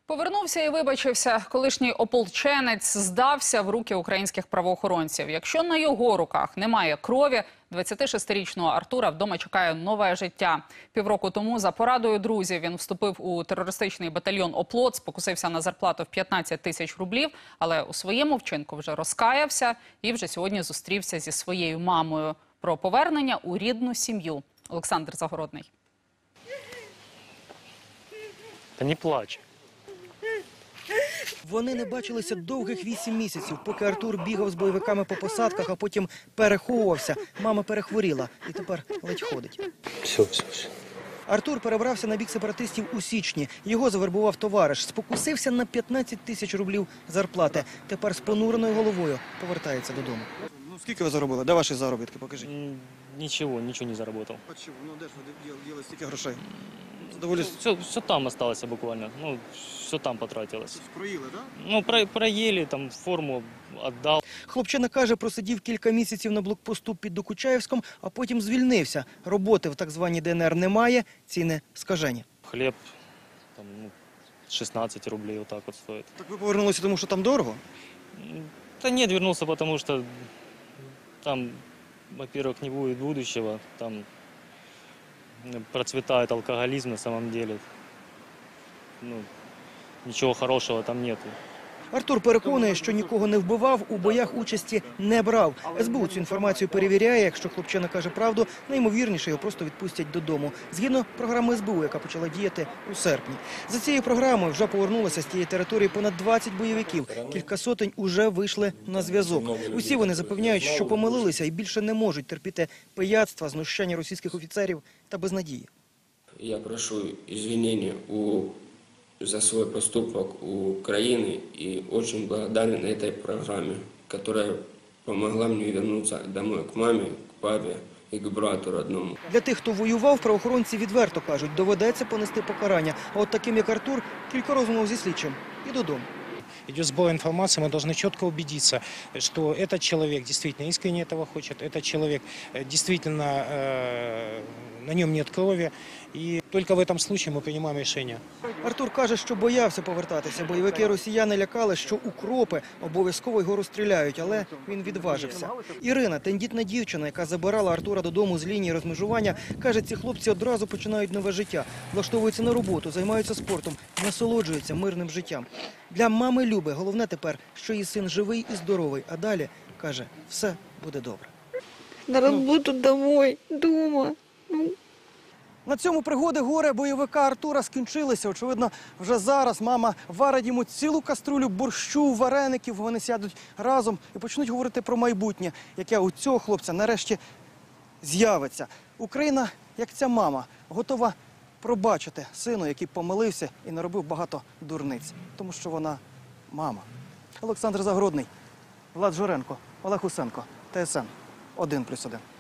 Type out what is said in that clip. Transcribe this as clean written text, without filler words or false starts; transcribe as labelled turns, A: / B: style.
A: Повернувся і вибачився. Колишній ополченець здався в руки українських правоохоронців. Якщо на його руках немає крові, 26-річного Артура вдома чекає нове життя. Півроку тому за порадою друзів він вступив у терористичний батальйон «Оплот», спокусився на зарплату в 15 тисяч рублів, але у своєму вчинку вже розкаявся і вже сьогодні зустрівся зі своєю мамою. Про повернення у рідну сім'ю. Олександр Загородний.
B: Та не плач.
C: Вони не бачилися довгих 8 місяців, поки Артур бігав з бойовиками по посадках, а потім переховувався. Мама перехворіла і тепер ледь ходить.
B: Все.
C: Артур перебрався на бік сепаратистів у січні. Його завербував товариш. Спокусився на 15 тисяч рублів зарплати. Тепер з понуреною головою повертається додому. Ну, скільки ви заробили? Де ваші заробітки? Покажіть.
B: Ничего не заработал.
C: Чому? Ну, де ж ви діли стільки грошей?
B: Все там осталось буквально. Ну, все там потратилось.
C: Проїли, так?
B: Ну, проели, там форму отдал.
C: Хлопчина каже, просидів кілька місяців на блокпосту під Докучаєвськом, а потім звільнився. Роботи в так званій ДНР немає, ціни скажені.
B: Хлеб там, 16 рублей вот так вот стоит.
C: Так ви повернулися, тому що там дорого?
B: Да нет, вернулся, потому что там, во-первых, не будет будущего, там процветает алкоголизм на самом деле. Ну, ничего хорошего там нету.
C: Артур переконує, що нікого не вбивав, у боях участі не брав. СБУ цю інформацію перевіряє. Якщо хлопчина каже правду, найімовірніше його просто відпустять додому. Згідно програми СБУ, яка почала діяти у серпні. За цією програмою вже повернулося з тієї території понад 20 бойовиків. Кілька сотень уже вийшли на зв'язок. Усі вони запевняють, що помилилися і більше не можуть терпіти пияцтва, знущання російських офіцерів та безнадії.
D: Я прошу извинения за свой поступок у Украины и очень благодарен этой программе, которая помогла мне вернуться домой к маме, к папе и к брату родному.
C: Для тих, хто воював, правоохоронці відверто кажуть, доведеться понести покарання. А от таким, як Артур, кілька розмов зі слідчим і додому.
E: Идет сбор информации, мы должны четко убедиться, что этот человек действительно искренне этого хочет, этот человек действительно, на нем нет крови, и только в этом случае мы принимаем решение.
C: Артур каже, що боявся повертатися. Бойовики росіяни лякали, що укропи обов'язково його розстріляють, але він відважився. Ірина, тендітна дівчина, яка забирала Артура додому з лінії розмежування, каже, ці хлопці одразу починають нове життя, влаштовуються на роботу, займаються спортом, насолоджуються мирним життям. Для мами Люби головне тепер, що її син живий і здоровий, а далі, каже, все буде добре.
F: На роботу домой, дома.
C: На цьому пригоди горе бойовика Артура скінчилися. Очевидно, вже зараз мама варить йому цілу каструлю борщу, вареників. Вони сядуть разом і почнуть говорити про майбутнє, яке у цього хлопця нарешті з'явиться. Україна, як ця мама, готова пробачити сину, який помилився і наробив багато дурниць. Тому що вона мама. Олександр Загородний, Влад Журенко, Олег Усенко, ТСН 1+1.